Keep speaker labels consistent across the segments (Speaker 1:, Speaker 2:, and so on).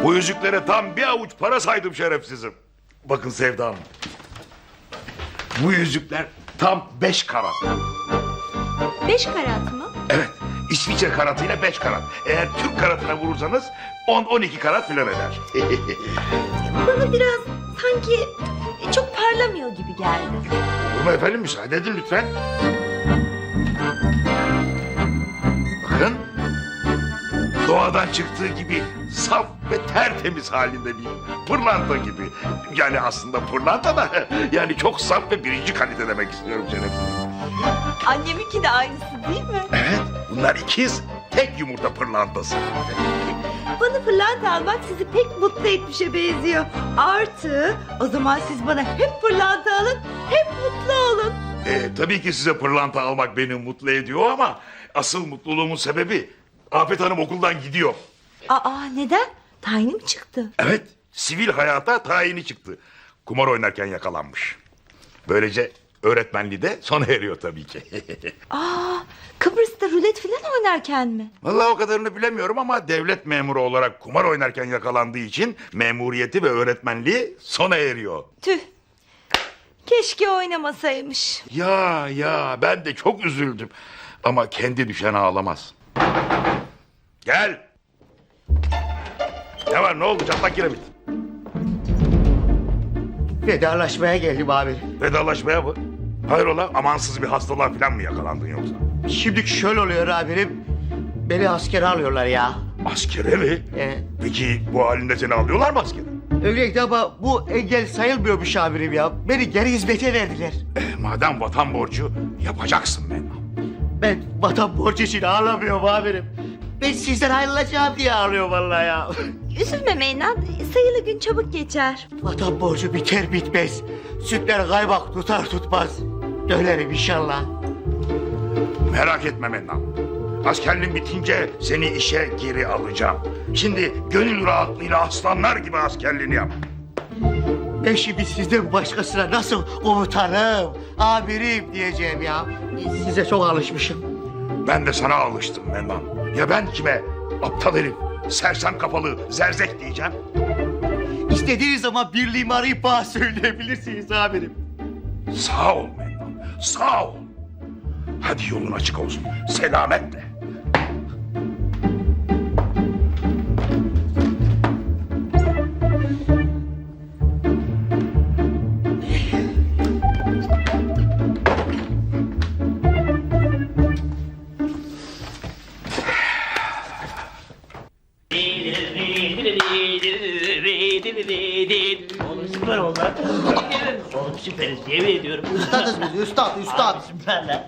Speaker 1: Bu yüzüklere tam bir avuç para saydım şerefsizim. Bakın Sevda Hanım. Bu yüzükler tam 5 karat.
Speaker 2: 5 karat mı?
Speaker 1: Evet, İsviçre karatıyla 5 karat. Eğer Türk karatına vurursanız 10-12 karat filan eder.
Speaker 2: Bana biraz sanki çok parlamıyor gibi geldi.
Speaker 1: Olur mu efendim, müsaade edin lütfen. Bakın. Doğadan çıktığı gibi saf ve tertemiz halinde bir pırlanta gibi. Yani aslında pırlanta da yani çok saf ve birinci kalite demek istiyorum şerefsizim.
Speaker 2: Anneminki de aynısı değil mi?
Speaker 1: Evet, bunlar ikiz, tek yumurta pırlantası.
Speaker 2: Bana pırlanta almak sizi pek mutlu etmişe benziyor. Artı o zaman siz bana hep pırlanta alın, hep mutlu olun.
Speaker 1: Tabii ki size pırlanta almak beni mutlu ediyor ama asıl mutluluğumun sebebi Afet Hanım okuldan gidiyor.
Speaker 2: Aa neden? Tayini mi çıktı?
Speaker 1: Evet, sivil hayata tayini çıktı. Kumar oynarken yakalanmış. Böylece öğretmenliği de sona eriyor tabii ki.
Speaker 2: Aa Kıbrıs'ta rulet falan oynarken mi?
Speaker 1: Vallahi o kadarını bilemiyorum ama devlet memuru olarak kumar oynarken yakalandığı için memuriyeti ve öğretmenliği sona eriyor.
Speaker 2: Tüh. Keşke oynamasaymış.
Speaker 1: Ya ben de çok üzüldüm. Ama kendi düşen ağlamaz. Gel. Ne var, ne oldu, çatlak kiremit?
Speaker 3: Vedalaşmaya geldim abi.
Speaker 1: Vedalaşmaya mı? Hayrola, amansız bir hastalığa falan mı yakalandın yoksa?
Speaker 3: Şimdi şöyle oluyor abim. Beni askere alıyorlar ya.
Speaker 1: Askere mi?
Speaker 3: Evet.
Speaker 1: Peki bu halinde seni alıyorlar mı askere?
Speaker 3: Öyleydi ama bu engel sayılmıyormuş abim ya. Beni geri hizmete verdiler.
Speaker 1: Madem vatan borcu yapacaksın Mennan.
Speaker 3: Ben vatan borcu için ağlamıyorum abim. Ben sizden ayrılacağım diye ağlıyorum vallahi ya.
Speaker 2: Üzülme Meynan. Sayılı gün çabuk geçer.
Speaker 3: Vatan borcu biter bitmez. Sütler kaymak tutar tutmaz. Dönerim inşallah.
Speaker 1: Merak etme Mennan. Askerliğin bitince seni işe geri alacağım. Şimdi gönül rahatlığıyla aslanlar gibi askerliğini yap.
Speaker 3: Ben şimdi sizden başkasına nasıl komutanım, amirim diyeceğim ya. Size çok alışmışım.
Speaker 1: Ben de sana alıştım Mennan. Ya ben kime? Aptal herif, sersem kafalı, zerzek diyeceğim.
Speaker 3: İstediğiniz zaman birliğimi arayıp bana söyleyebilirsiniz amirim.
Speaker 1: Sağ ol Mennan, sağ ol. Hadi yolun açık olsun, selametle.
Speaker 4: Oğlum süper oldu. Oğlum süperiz yemin ediyorum.
Speaker 3: Üstadız biz, üstad.
Speaker 4: Abi süper lan.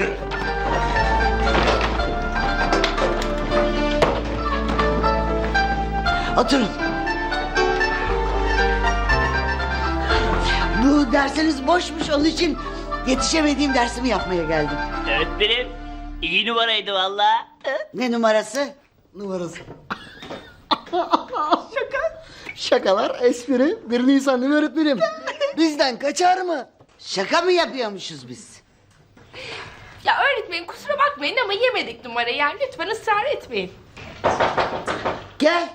Speaker 5: Oturun. Bu dersiniz boşmuş, onun için yetişemediğim dersimi yapmaya geldim.
Speaker 4: Öğretmenim iyi numaraydı valla.
Speaker 5: Ne numarası?
Speaker 3: Numarası. Şakalar, espri. 1 Nisan değil mi öğretmenim? Bizden kaçar mı?
Speaker 5: Şaka mı yapıyormuşuz biz?
Speaker 6: Ya öğretmenim kusura bakmayın ama yemedik numarayı, yani lütfen ısrar etmeyin.
Speaker 5: Gel.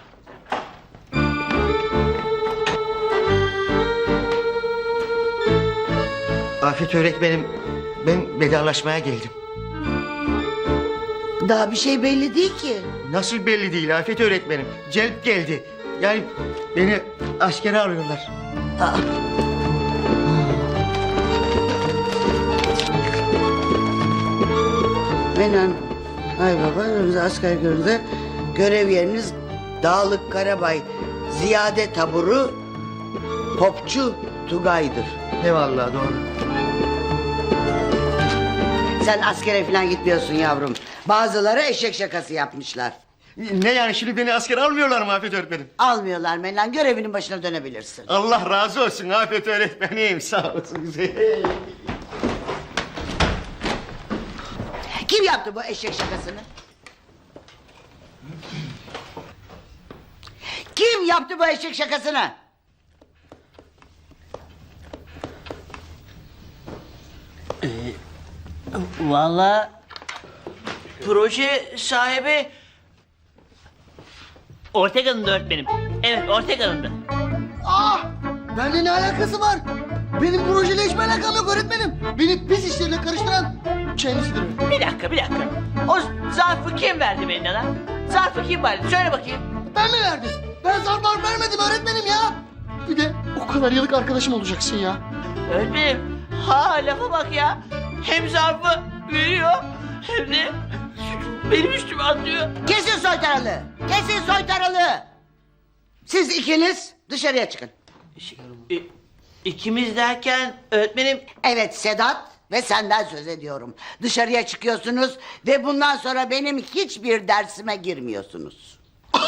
Speaker 3: Afet öğretmenim, ben vedalaşmaya geldim.
Speaker 5: Daha bir şey belli değil ki.
Speaker 3: Nasıl belli değil Afet öğretmenim? Celp geldi. Yani beni askere alıyorlar.
Speaker 5: Aa. Menan, ay baba, önümüzde asker göründe görev yeriniz Dağlık Karabay Ziyade Taburu Popçu Tugay'dır.
Speaker 3: Eyvallah, doğru.
Speaker 5: Sen askere falan gitmiyorsun yavrum. Bazıları eşek şakası yapmışlar.
Speaker 3: Ne yani, şimdi beni askere almıyorlar mı Afet öğretmenim?
Speaker 5: Almıyorlar Menan, görevinin başına dönebilirsin.
Speaker 3: Allah razı olsun Afet öğretmenim, sağ olsun.
Speaker 5: Kim yaptı bu eşek şakasını? Kim yaptı bu eşek şakasını?
Speaker 4: Valla proje sahibi Ortega'nın öğretmenim. Evet, Ortega'nın.
Speaker 3: Ah! Benimle ne alakası var? Benim projeyle hiçbir alakam yok öğretmenim. Beni pis işlerine karıştıran kendisidir.
Speaker 4: Bir dakika. O zarfı kim verdi beline lan? Zarfı kim verdi? Söyle bakayım.
Speaker 3: Ben mi verdim? Ben zarf vermedim öğretmenim ya. Bir de o kadar yıllık arkadaşım olacaksın ya.
Speaker 4: Öğretmenim. Ha, lafa bak ya. Hem zarfı veriyor hem de benim üstüme atıyor.
Speaker 5: Kesin soytaralı. Kesin soytaralı. Siz ikiniz dışarıya çıkın.
Speaker 4: İkimiz derken öğretmenim.
Speaker 5: Evet Sedat ve senden söz ediyorum. Dışarıya çıkıyorsunuz ve bundan sonra benim hiçbir dersime girmiyorsunuz.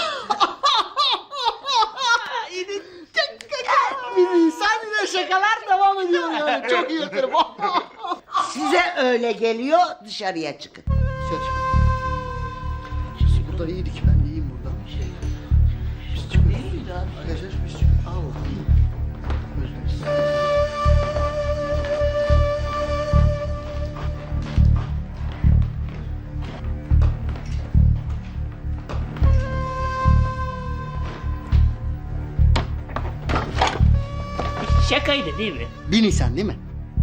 Speaker 3: Sen yine şakalar devam ediyor yani. Çok iyi yaparım.
Speaker 5: Size öyle geliyor, dışarıya çıkın.
Speaker 3: Biz burada iyiydik. Ben de iyiyim burada. Biz çıkıyoruz. Arkadaşlar biz çıkıyoruz. Allah'ım. Özlemişsin.
Speaker 4: Şakaydı değil mi?
Speaker 3: 1 Nisan değil mi?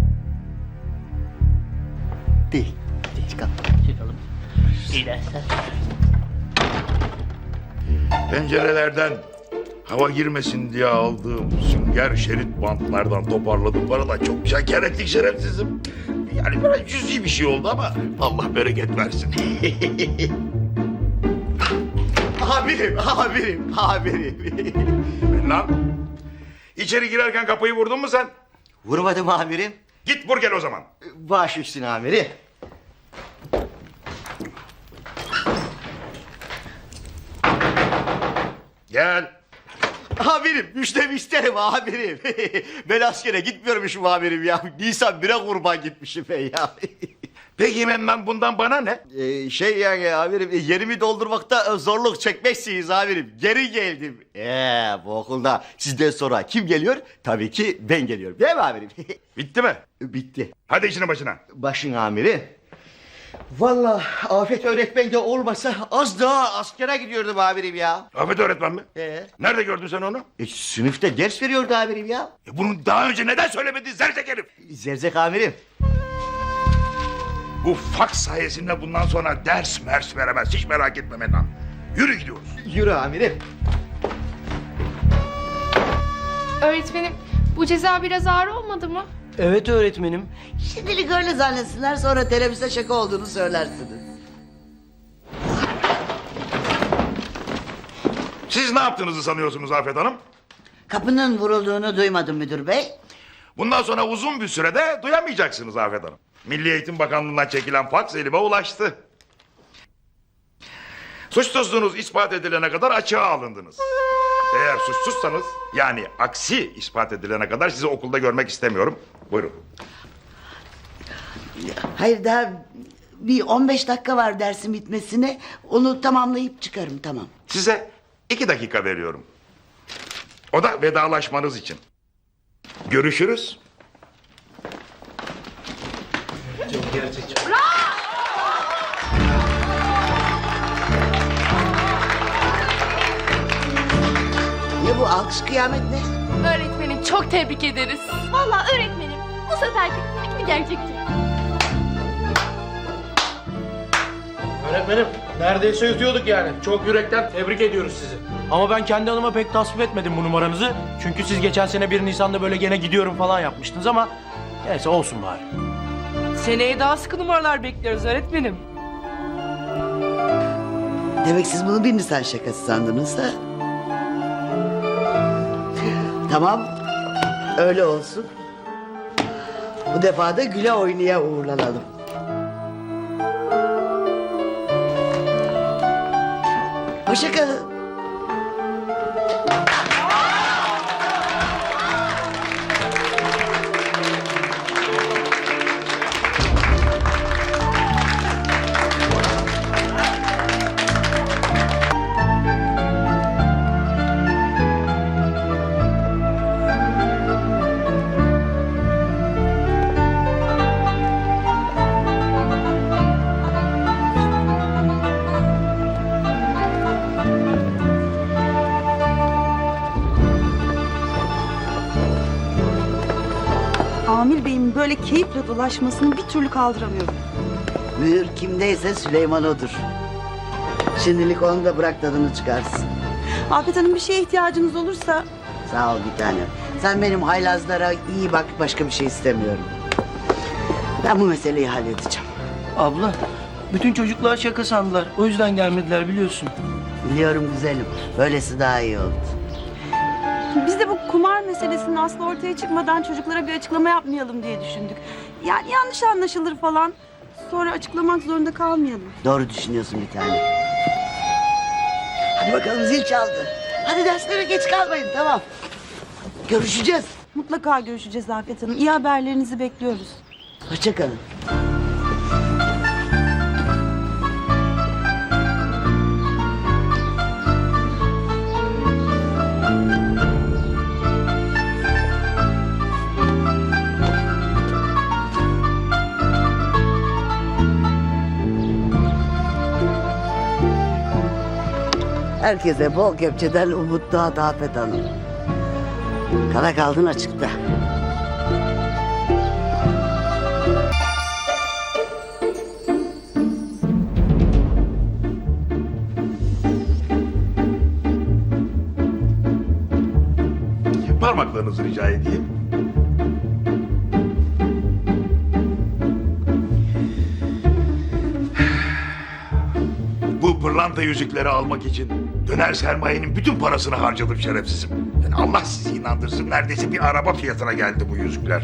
Speaker 3: Değil. Çıkalım.
Speaker 4: Çıkalım. İyi dersler.
Speaker 1: Pencerelerden hava girmesin diye aldığım sünger şerit bantlardan toparladım. Da çok şeker ettik şerefsizim. Yani biraz cüzi bir şey oldu ama Allah bereket versin.
Speaker 3: Amirim.
Speaker 1: Lan içeri girerken kapıyı vurdun mu sen?
Speaker 3: Vurmadım amirim.
Speaker 1: Git vur gel o zaman.
Speaker 3: Baş üstüne amirim.
Speaker 1: Gel.
Speaker 3: Amirim müjdemi isterim amirim. Ben askere gitmiyormuşum amirim ya. Nisan 1'e kurban gitmişim ben ya.
Speaker 1: Peki ben bundan bana ne?
Speaker 3: Yani amirim yerimi doldurmakta zorluk çekmeksiniz amirim. Geri geldim. Bu okulda sizden sonra kim geliyor? Tabii ki ben geliyorum. Değil mi amirim?
Speaker 1: Bitti mi?
Speaker 3: Bitti.
Speaker 1: Hadi işine başına.
Speaker 3: Başın amirim. Vallahi Afet öğretmen de olmasa az daha askere gidiyordum amirim ya.
Speaker 1: Afet öğretmen mi?
Speaker 3: Ee?
Speaker 1: Nerede gördün sen onu?
Speaker 3: Sınıfta ders veriyordu amirim ya.
Speaker 1: Bunu daha önce neden söylemedin zerzek herif?
Speaker 3: Zerzek amirim.
Speaker 1: Bu faks sayesinde bundan sonra ders mers veremez. Hiç merak etme Mennan. Yürü gidiyoruz.
Speaker 3: Yürü amirim.
Speaker 6: Öğretmenim bu ceza biraz ağır olmadı mı?
Speaker 7: Evet öğretmenim.
Speaker 5: Şimdilik öyle zannetsinler, sonra teneffüste şaka olduğunu söylersiniz.
Speaker 1: Siz ne yaptığınızı sanıyorsunuz Afet Hanım?
Speaker 5: Kapının vurulduğunu duymadım müdür bey.
Speaker 1: Bundan sonra uzun bir sürede duyamayacaksınız Afet Hanım. Milli Eğitim Bakanlığı'ndan çekilen faks elime ulaştı. Suçsuzluğunuz ispat edilene kadar açığa alındınız. Eğer suçsuzsanız, yani aksi ispat edilene kadar sizi okulda görmek istemiyorum. Buyurun.
Speaker 5: Hayır, daha bir 15 dakika var dersin bitmesine. Onu tamamlayıp çıkarım, tamam.
Speaker 1: Size 2 dakika veriyorum. O da vedalaşmanız için. Görüşürüz.
Speaker 5: Ne bu alkış kıyamet ne?
Speaker 6: Öğretmenim çok tebrik ederiz.
Speaker 8: Vallahi öğretmenim bu seferki fikri gerçekçi.
Speaker 7: Öğretmenim neredeyse yutuyorduk yani. Çok yürekten tebrik ediyoruz sizi. Ama ben kendi adıma pek tasvip etmedim bu numaranızı. Çünkü siz geçen sene 1 Nisan'da böyle gene gidiyorum falan yapmıştınız ama... Neyse olsun bari.
Speaker 9: Seneye daha sıkı numaralar bekliyoruz öğretmenim.
Speaker 5: Demek siz bunu 1 Nisan şakası sandınız ha? Tamam, öyle olsun. Bu defa da güle oynaya uğurlanalım. Hoşça kalın.
Speaker 10: Amil Bey'in böyle keyifle dolaşmasını bir türlü kaldıramıyorum.
Speaker 5: Mühür kimdeyse Süleyman odur. Şimdilik onu da bırak tadını çıkarsın.
Speaker 10: Afet Hanım bir şeye ihtiyacınız olursa
Speaker 5: Sağ ol bir tanem. Sen benim haylazlara iyi bak, başka bir şey istemiyorum. Ben bu meseleyi halledeceğim.
Speaker 4: Abla, bütün çocuklar şaka sandılar. O yüzden gelmediler biliyorsun.
Speaker 5: Biliyorum güzelim. Böylesi daha iyi oldu.
Speaker 10: biz de bu kumar meselesinin aslı ortaya çıkmadan çocuklara bir açıklama yapmayalım diye düşündük. Yani yanlış anlaşılır falan. Sonra açıklamak zorunda kalmayalım.
Speaker 5: Doğru düşünüyorsun bir tane. Hadi bakalım, zil çaldı. Hadi derslere geç kalmayın, tamam. Görüşeceğiz.
Speaker 10: Mutlaka görüşeceğiz Afet Hanım. İyi haberlerinizi bekliyoruz.
Speaker 5: Hoşça kalın. Herkese bol kepçeden umut doğdu Afet Hanım. Kara kaldın açıkta.
Speaker 1: Parmaklarınızı rica edeyim. Bu pırlanta yüzükleri almak için döner sermayenin bütün parasını harcadım şerefsizim. Yani Allah sizi inandırsın, neredeyse bir araba fiyatına geldi bu yüzükler.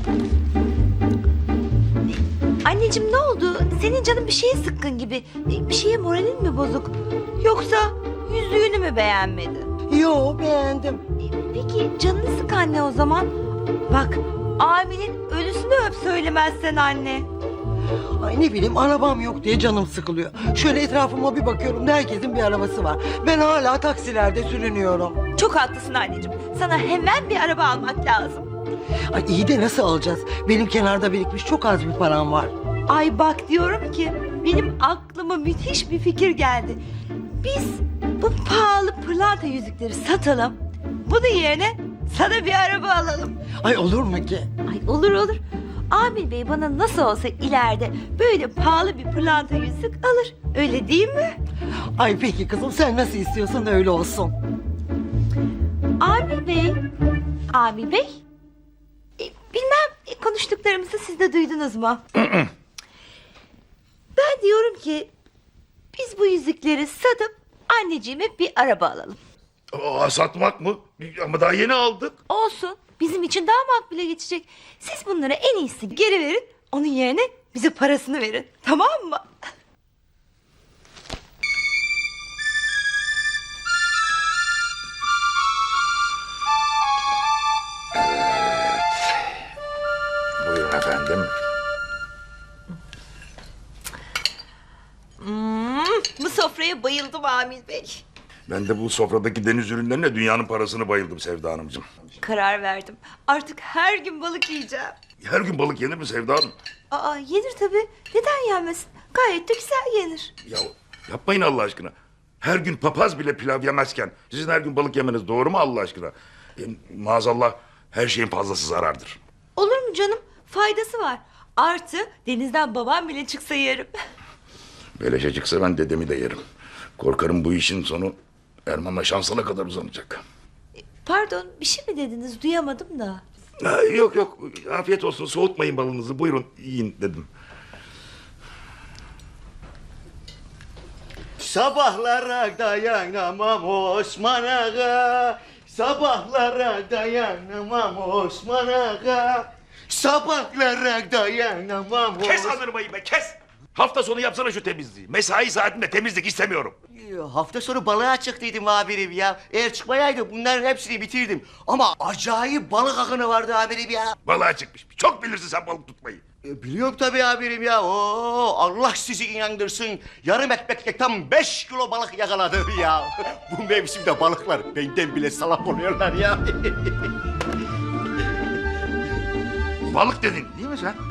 Speaker 2: Anneciğim ne oldu? Senin canın bir şeye sıkkın gibi. Bir şeye moralin mi bozuk? Yoksa yüzüğünü mü beğenmedin?
Speaker 11: Yo, beğendim.
Speaker 2: Peki canını sık anne o zaman. Bak Amil'in ölüsünü öp söylemezsen anne.
Speaker 11: Ay ne bileyim, arabam yok diye canım sıkılıyor. Şöyle etrafıma bir bakıyorum da herkesin bir arabası var. Ben hala taksilerde sürünüyorum.
Speaker 2: Çok haklısın anneciğim. Sana hemen bir araba almak lazım.
Speaker 11: Ay iyi de nasıl alacağız? Benim kenarda birikmiş çok az bir param var.
Speaker 2: Ay bak diyorum ki benim aklıma müthiş bir fikir geldi. Biz bu pahalı pırlanta yüzükleri satalım. Bunun yerine sana bir araba alalım.
Speaker 11: Ay olur mu ki?
Speaker 2: Ay olur olur. Amil Bey bana nasıl olsa ileride böyle pahalı bir pırlanta yüzük alır. Öyle değil mi?
Speaker 11: Ay peki kızım, sen nasıl istiyorsan öyle olsun.
Speaker 2: Amil Bey. Amil Bey. Bilmem konuştuklarımızı siz de duydunuz mu? Ben diyorum ki biz bu yüzükleri satıp anneciğime bir araba alalım.
Speaker 1: Aa, satmak mı? Ama daha yeni aldık.
Speaker 2: Olsun. Bizim için daha makbule geçecek. Siz bunları en iyisi geri verin. Onun yerine bize parasını verin. Tamam mı?
Speaker 1: Buyurun efendim.
Speaker 2: Bu sofraya bayıldım Amil Bey.
Speaker 1: Ben de bu sofradaki deniz ürünlerine dünyanın parasını bayıldım Sevda Hanımcığım.
Speaker 2: Karar verdim. Artık her gün balık yiyeceğim.
Speaker 1: Her gün balık yenir mi Sevda Hanım?
Speaker 2: Aa yenir tabii. Neden yenmesin? Gayet de güzel yenir.
Speaker 1: Ya yapmayın Allah aşkına. Her gün papaz bile pilav yemezken sizin her gün balık yemeniz doğru mu Allah aşkına? Maazallah her şeyin fazlası zarardır.
Speaker 2: Olur mu canım? Faydası var. Artı denizden babam bile çıksa yerim.
Speaker 1: Beleşe çıksa ben dedemi de yerim. Korkarım bu işin sonu Erman'la şansına kadar uzanacak.
Speaker 2: Pardon bir şey mi dediniz? Duyamadım da.
Speaker 1: Ha, yok yok afiyet olsun, soğutmayın balınızı, buyurun yiyin dedim.
Speaker 3: Sabahlara dayanamam Osman Ağa. Sabahlara dayanamam Osman Ağa. Sabahlara dayanamam
Speaker 1: Kes anırmayı be, kes! Hafta sonu yapsana şu temizliği. Mesai saatinde temizlik istemiyorum.
Speaker 3: Hafta sonu balığa çıktıydım amirim ya. Eğer çıkmayaydı bunların hepsini bitirdim. Ama acayip balık akını vardı amirim ya.
Speaker 1: Balığa çıkmış. Çok bilirsin sen balık tutmayı.
Speaker 3: Biliyorum tabii amirim ya. Oo, Allah sizi inandırsın. Yarım ekmekle tam 5 kilo balık yakaladım ya. Bu mevsimde balıklar benden bile salak oluyorlar ya.
Speaker 1: Balık dedin değil mi sen?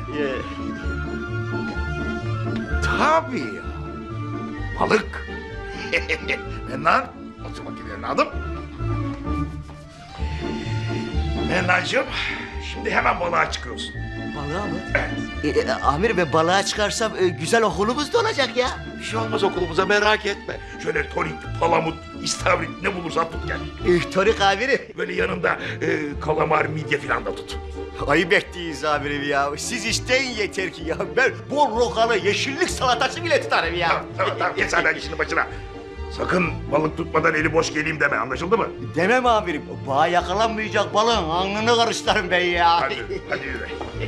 Speaker 1: Tabii ya. Balık. Mennan. Otur bakayım evladım. Mennancığım. Şimdi hemen balığa çıkıyorsun.
Speaker 3: Balığa mı? Amirim ben balığa çıkarsam güzel okulumuz da olacak ya.
Speaker 1: Bir şey olmaz okulumuza merak etme. Şöyle torik, palamut, istavrit ne bulursan tut gel.
Speaker 3: Torik amirim.
Speaker 1: Böyle yanında kalamar, midye falan da tut.
Speaker 3: Ayıp ettiyiz amirim ya. Siz isteyin yeter ki ya. Ben bol rokalı yeşillik salatası bile tutarım ya.
Speaker 1: Tamam geç sen işinin başına. Sakın balık tutmadan eli boş geleyim deme, anlaşıldı mı?
Speaker 3: Demem amirim. Bağa yakalanmayacak balığın alnını karıştırırım ben ya.
Speaker 1: Hadi yürü.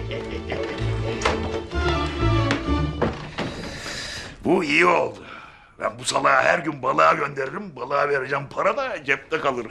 Speaker 1: Bu iyi oldu. Ben bu salağı her gün balığa gönderirim. Balığa vereceğim para da cepte kalır.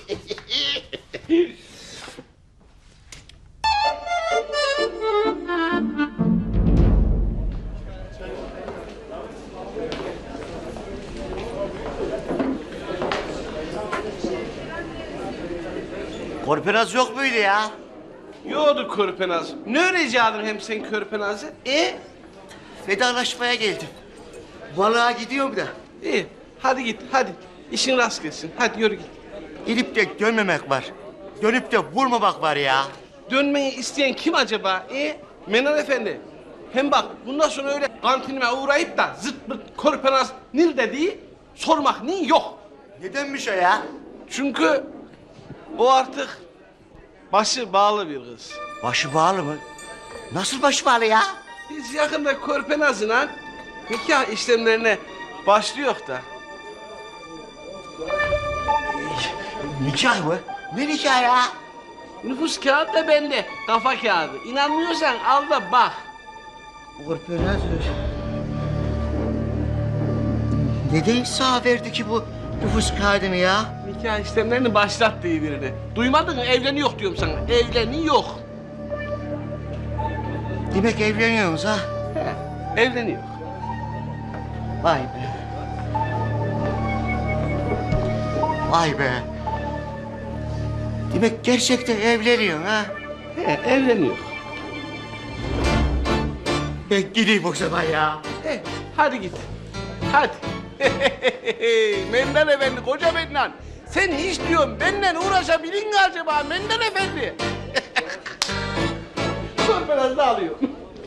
Speaker 3: Korpenaz yok muydu ya?
Speaker 4: Yoktu körpenaz. Ne öğreneceksin hem sen körpenazı?
Speaker 3: Vedalaşmaya geldim. Balığa gidiyorum da.
Speaker 4: İyi. Hadi git hadi. İşin rast gelsin. Hadi yürü git.
Speaker 3: İnip de dönmemek var. Dönüp de vurmamak var ya.
Speaker 4: Dönmeyi isteyen kim acaba? Menan Efendi. Hem bak bundan sonra öyle kantinime uğrayıp da zırt pırt körpenaz nil dediği sormak ni yok.
Speaker 3: Nedenmiş o ya?
Speaker 4: Çünkü o artık başı bağlı bir kız.
Speaker 3: Başı bağlı mı? Nasıl başı bağlı ya?
Speaker 4: Biz yakında körpenazla nikah işlemlerine başlıyor da.
Speaker 3: Nikah mı? Ne nikah ya?
Speaker 4: Nüfus kağıdı da bende, kafa kağıdı. İnanmıyorsan al da bak.
Speaker 3: Korpenaz neden sağ verdi ki bu nüfus kağıdını ya?
Speaker 4: Nikah işlemlerini başlattığı birini. Duymadın mı? Evleniyor diyorum sana. Evleniyor.
Speaker 3: Demek evleniyorsunuz ha?
Speaker 4: Evleniyor.
Speaker 3: Vay be. Vay be. Demek gerçekten evleniyorsun ha?
Speaker 4: Evleniyor.
Speaker 3: Ben gideyim o zaman ya.
Speaker 4: Hadi git. Hadi. Mendan Efendi, koca Mendan. Sen hiç diyorum benden uğraşabilin mi acaba Mendan Efendi? Korpenaz da alıyorum.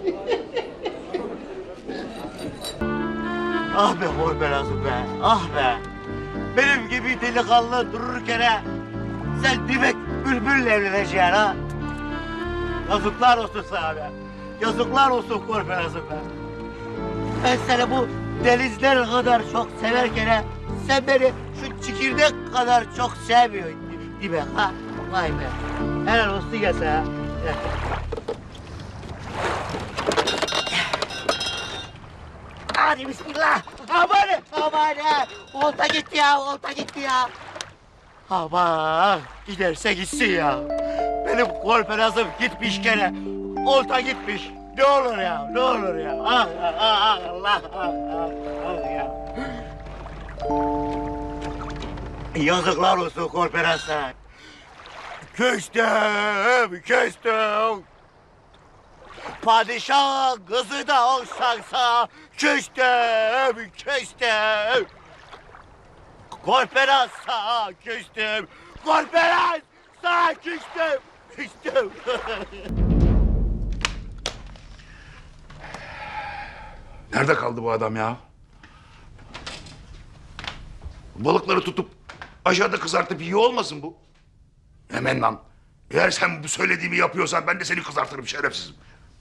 Speaker 3: Ah be Korpenaz'ım be, ah be. Benim gibi delikanlı dururken sen demek bülbülle evleneceksin ha. Yazıklar olsun sana be. Yazıklar olsun Korpenaz'ım be. Ben seni bu denizler kadar çok severken sen beni şu çekirdek kadar çok sevmiyorsun değil mi ha? Vay be. Helal olsun ya sana. Hadi bismillah. Aman, aman. Olta gitti ya, olta gitti ya. Aman, giderse gitsin ya. Benim Korpenaz'ım gitmiş gene. Olta gitmiş. Ne olur ya, ne olur ya. Ah, ah, ah, Allah, ah, ah, ah ya. Yazıklar olsun Korpenaz'a. Küstüm, küstüm. Padişah kızı da olsansa küstüm, küstüm. Korpenaz sağa küstüm. Korpenaz sağa küstüm, küstüm.
Speaker 1: Nerede kaldı bu adam ya? Balıkları tutup aşağıda kızartıp yiyor olmasın bu? Hemen lan. Eğer sen bu söylediğimi yapıyorsan ben de seni kızartırım şerefsizim.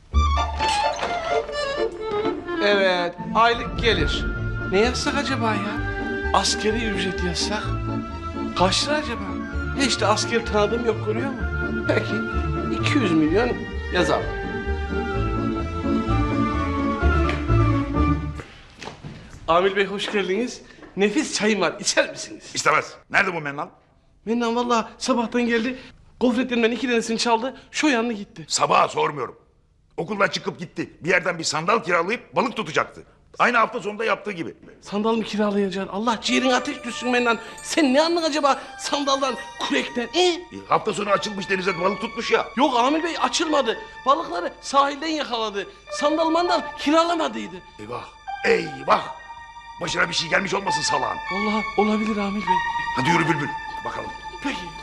Speaker 4: Evet, aylık gelir. Ne yazsak acaba ya? Askeri ücret yazsak. Kaç lira acaba? Hiç de asker tanıdığım yok, görüyor musun? Peki, 200 milyon yazalım. Amil Bey hoş geldiniz. Nefis çayım var, içer misiniz?
Speaker 1: İstemez. Nerede bu Mennan?
Speaker 4: Mennan vallahi sabahtan geldi. Gofretlerinden 2 tanesini çaldı, şu yanına gitti.
Speaker 1: Sabaha sormuyorum. Okuldan çıkıp gitti. Bir yerden bir sandal kiralayıp balık tutacaktı. Aynı hafta sonunda yaptığı gibi.
Speaker 4: Sandal mı kiralayacaksın? Allah ciğerin ateş düşsün Mennan. Sen ne anladın acaba sandaldan, kürekten?
Speaker 1: Hafta sonu açılmış denize balık tutmuş ya.
Speaker 4: Yok Amil Bey açılmadı. Balıkları sahilden yakaladı. Sandal mandal kiralamadıydı.
Speaker 1: Eyvah. Eyvah. Başına bir şey gelmiş olmasın salağın.
Speaker 4: Vallahi olabilir Amil Bey.
Speaker 1: Hadi yürü Bülbül. Bakalım.
Speaker 4: Peki.